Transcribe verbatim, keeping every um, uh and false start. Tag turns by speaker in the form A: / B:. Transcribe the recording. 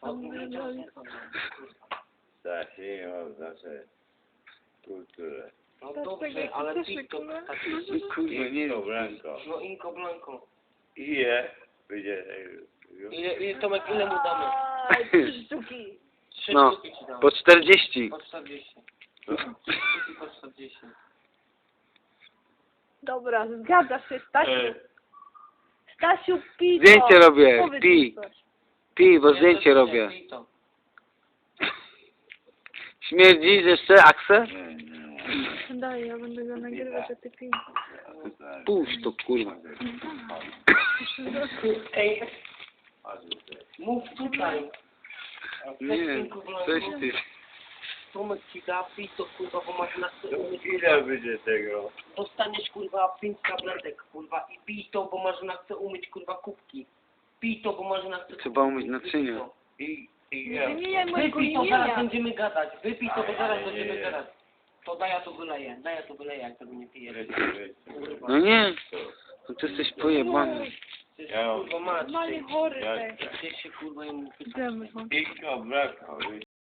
A: Tak, nie mam znaczy kulturę.
B: No dobrze, ale pito tak.
A: Kurwa, nie no, Blanco.
B: No Inko Blanco.
A: Ile będzie tego?
B: Ile, ile Tomek, ile mu damy?
C: Aj, trzy sztuki.
B: Trzy
D: No,
B: sztuki ci damy.
D: po czterdzieści.
B: Po czterdzieści. Trzy sztuki po czterdzieści.
C: Dobra, zgadzasz się, Stasiu.
A: E,
C: Stasiu, pij to.
D: Zdjęcie robię,
C: Powiedz
D: pij.
C: mi coś.
D: Pij, bo
B: Ja
D: zdjęcie
B: też nie,
D: robię.
B: pito.
D: Śmierdzi jeszcze Aksę?
A: nie, nie.
C: Daj, ja będę go nagrywać, a ty pij.
D: Puść to, kurwa.
B: Ej, mów tutaj.
D: Nie, coś ty.
B: Tomek ci da pito, kurwa, bo masz na chce umyć.
A: Ile będzie tego?
B: Dostaniesz, kurwa, pięć tabletek, kurwa, i pij to, bo masz na chce umyć, kurwa, kubki. Pij to, bo masz na chce...
D: Trzeba umyć naczynia.
A: I, i
C: Nie
A: ja.
C: wymieniaj mojego
B: Wypij to, zaraz
C: imienia.
B: będziemy gadać. Wypij to, bo zaraz będziemy gadać. To daj, ja to wyleję. Daj, ja to wyleję, jak tego nie pijesz. Kurwa.
D: No nie, no ty jesteś pojebany.
B: Ty
A: Ja mam-
B: kurwa, mać.
C: Normalnie chory
A: Ja-
C: ty.
B: Ty się, kurwa, jemu...
C: Idziemy, no.
A: I go brakło.